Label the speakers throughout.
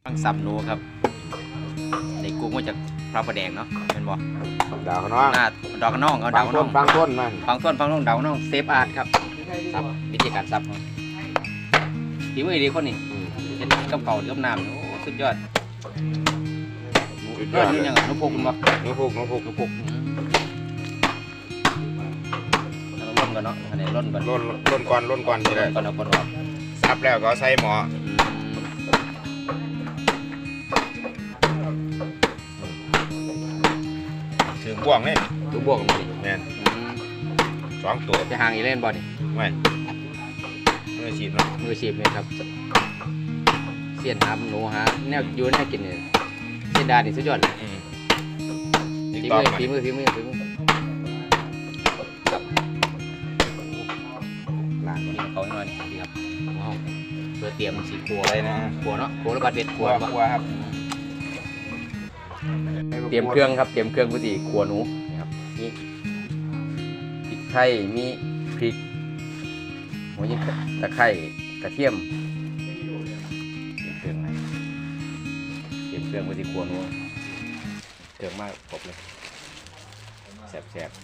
Speaker 1: ฟังซับหนูครับในกุ้งมาจากพระประแดงเนาะเป็นบ่
Speaker 2: ดาวน้อง
Speaker 1: หน้าดอกน้องเอาดาวน้อง
Speaker 2: ฟังต้นมัน
Speaker 1: ฟังน้องดาวน้องเซฟอาร์ตครับซับวิธีการซับทีมือดีคนนี้เป็นกับเก่ากับน้ำโอ้สุดยอดนี่ยังนุพุกบ่
Speaker 2: นุพุก
Speaker 1: แล้วร่นกันเนาะอันนี้ร่นก่อน
Speaker 2: ร่นก่อนเลย
Speaker 1: ก่อนเอาก่อนว่า
Speaker 2: ซับแล้วก็ใส่หม้อถึงบ่วงนี่
Speaker 1: ตัวบ่วงนี่
Speaker 2: แม่น2ตัว
Speaker 1: จะห่างอีเล่นบ่นี่
Speaker 2: ไม่มือฉีดเนาะ
Speaker 1: มือฉีดเลยครับเสียนหาหนูหาแนวยูแนวกินเนี่ยเสียนดานี่สุดยอดฝีมือครับล้างนี่เขาหน่อยดีครับว้าวเพื่อเตรียมสีขัวเลยนะขัวเนาะขัวแล้วก็เด็ดขัว
Speaker 2: ครับ
Speaker 1: เตรียมเครื่องครับเตรียมเครื่องผู้ที่ขัวหนูนะครับนี่พริกไทยมีพริกหัวยิ่งตะไคร้กระเทียมเตรียมเครื่องผู้ที่ขัวหนูเครื่องมากครบเลยแซ่บ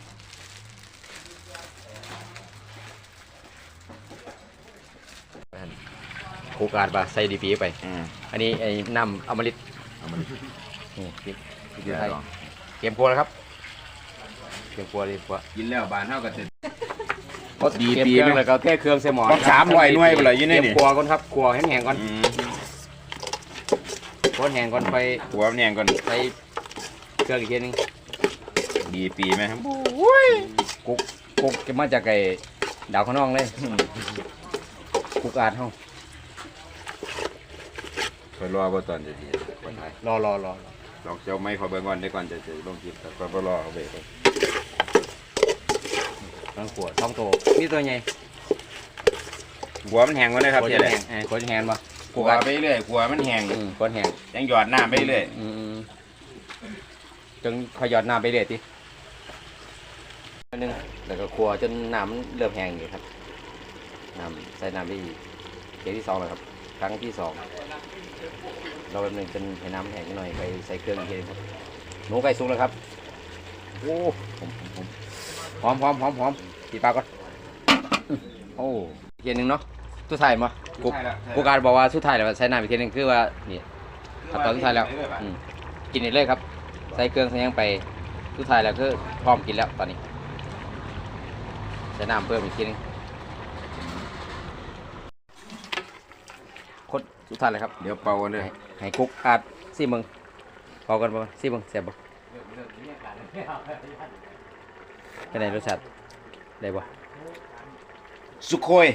Speaker 1: โคกาดปะใส่ดีปีไปอันนี้ไอ้น้ำอมฤตนี่พริกไทยเตรียมครัวแล้วครับเตรียมครัว
Speaker 2: กินแล้วบานเท่ากัน
Speaker 1: ดีปีนึงเลยก็แค่เครื่องใส่หม้อ
Speaker 2: 300หน่วยไปเลยยี่นี่
Speaker 1: ครัวก่อนครับครัวให้แห้งก่อนครัวแห้งก่อนไป
Speaker 2: ครัวแห้งก่อน
Speaker 1: ไปเครื่องอีกทีนึง
Speaker 2: ดีปีไหมครับ
Speaker 1: กุ๊กจะมาจากไก่ดาวข้างนอกเลยกุ๊กอาดห้อง
Speaker 2: คอยรอว่าตอนจะดี
Speaker 1: รอล
Speaker 2: องเจ้าไม่ขอเบิ่งก่อนได้ก่อนจะลงคลิปแต่ก็รอเอาเบรก
Speaker 1: ทั้งขวดท้องโตนี่ตัวใหญ่
Speaker 2: หัวมันแห้งก่อนเลยครับ
Speaker 1: ขวดจะแห้งป่ะ
Speaker 2: หัวไปเรื่อยหัวมันแห้ง
Speaker 1: ขวดแห้ง
Speaker 2: ยังหยอดน้ำไปเรื่อย
Speaker 1: จนขยอดน้ำไปเรื่อยทีนึงแล้วก็ขัวจนน้ำเริ่มแห้งอยู่ครับน้ำใส่น้ำที่เกมที่2แล้วครับครั้งที่2เราแบบนึงจนให้น้ำแห้งหน่อยไปใส่เครื่องอีกทีครับหนูไก่สุกแล้วครับโอ้หอมตีปลาก่อนโอ้อีกทีนึงเนาะสุดท้ายมากูการบอกว่าสุดท้ายแล้วใส่น้ำอีกทีนึงคือว่านี่ตอนสุดท้ายแล้วกินเลยครับใส่เครื่องใส่ยังไปสุดท้ายแล้วคือพร้อมกินแล้วตอนนี้ใส่น้ำเพิ่มอีกทีนึงคนสุดท้ายเลยครับ
Speaker 2: เดี๋ยวเป่ากันเลย
Speaker 1: ให้กุ๊กอาดซี่มึงเป่ากันบ่ซี่มึงแซ่บบ่เป็นไงรสชาติได้บ่
Speaker 2: สุโคย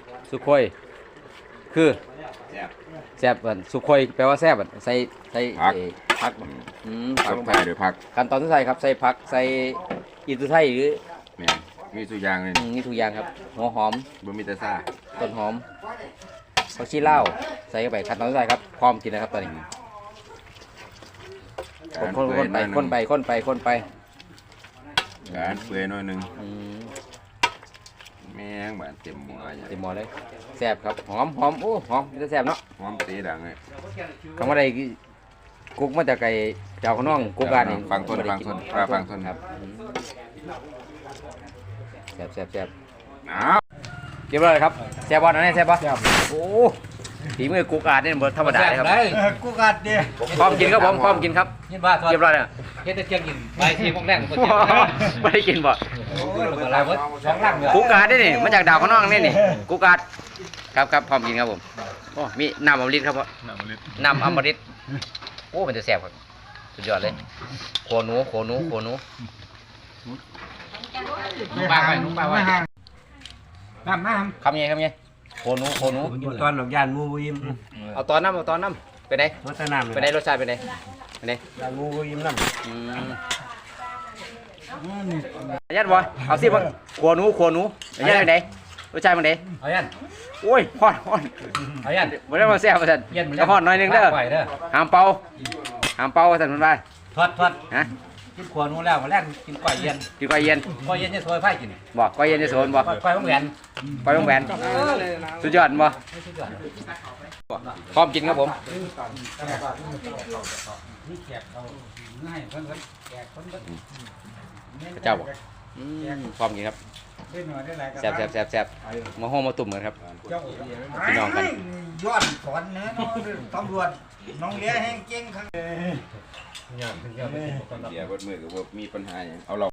Speaker 1: คือแซ่บเหมือนสุโคยแปลว่าแซ่บใส่ผัก
Speaker 2: ผักลงไปหรือผัก
Speaker 1: ขั้นตอนที่ใส่ครับใส่ผักใส่อินทไทยหรือ
Speaker 2: มีทุกอย่างเลย
Speaker 1: มีทุกอย่างครับหัวหอม
Speaker 2: บะหมี่ตะซ่า
Speaker 1: ต้นหอมผักชีลาวใส่เข้าไปขั้นตอนที่ใส่ครับพร้อมกินนะครับตอนนี้คนไป
Speaker 2: การเปื่อยหน่อยนึงแม่งบ้านเต็มหม้อ
Speaker 1: เลยแซ่บครับหอมโอ้หอมจะแซ่บเนาะ
Speaker 2: หอมตีดังเลย
Speaker 1: คำว่าใดกุ๊กมาจากไก่เจ้าข้างนอกกุ๊กการนี่
Speaker 2: ฟังต้น
Speaker 1: ครับแซ่บเรียบร้อยครับแซ่บบอลนะเนี่ยแซ่บปะโอ้ฝีมือกุ๊กการนี่เหมือนธรรมดาเลยครับ
Speaker 3: กุ๊กการเนี่ย
Speaker 1: พร้อมกินครับผมพร้อมกินครับเรียบร้อยเลย
Speaker 3: เฮ็ดแต่เที่ยงกินไปทีพวกแรก
Speaker 1: ไม่ได้กินบ่กุ๊กการนี่มาจากดาวข้างนอกนี่กุ๊กการครับพร้อมกินครับผมโอ้มีน้ำอมฤตครับพ่อน้ำอมฤตโอ้มันจะแซ่บครับสุดยอดเลยโคหนู
Speaker 3: ปลาไว้น้ำ
Speaker 1: คำไงโคหนู
Speaker 3: ตอนหลอกยานมูยิ้ม
Speaker 1: เอาตอนน้ำเป็นไงเป็นไงรสชาติเป็นไง
Speaker 3: มูยิ้มน้ำ
Speaker 1: ยัดบ่เอาสิบ่โคหนูยัดเป็นไงรสชาติเป็นไง
Speaker 3: เอายัน
Speaker 1: โอ้ยฮ้อน
Speaker 3: เอายัน
Speaker 1: บ่ได้มาแซ่บว่าซั่นจะฮ้อนหน่อยนึงเด้อห้ามเป่าว่าซั่นเพิ่นว่า
Speaker 3: ทอด
Speaker 1: ฮะ
Speaker 3: กินขวดนู้นแล้วมาแรกกินก้อยเย็น
Speaker 1: กินก้อยเย็น
Speaker 3: ก้อยเย็นจะซอยไผ่กิน
Speaker 1: บอกก้อยเย็นจะโซนบอก
Speaker 3: ก้อยของแหวน
Speaker 1: ก้อยต้องแหวนสุดยอดบ่พร้อมกินครับผม
Speaker 3: นี่แขกเขาง่ายเพิ่นแขกเพิ่น
Speaker 1: พระเจ้าบอกพร้อมกินครับแซ่บแซ่บแซ่บแซ่บมาห้องมาตุ่มกันครับพี่น้องกัน
Speaker 4: ยอดสอนเนื้อตำรวจน้องเลี้ยแห้งเก่งครับ
Speaker 2: เดี๋ยวเบิดมือก็บ่มีปัญหาหยังเอาเรา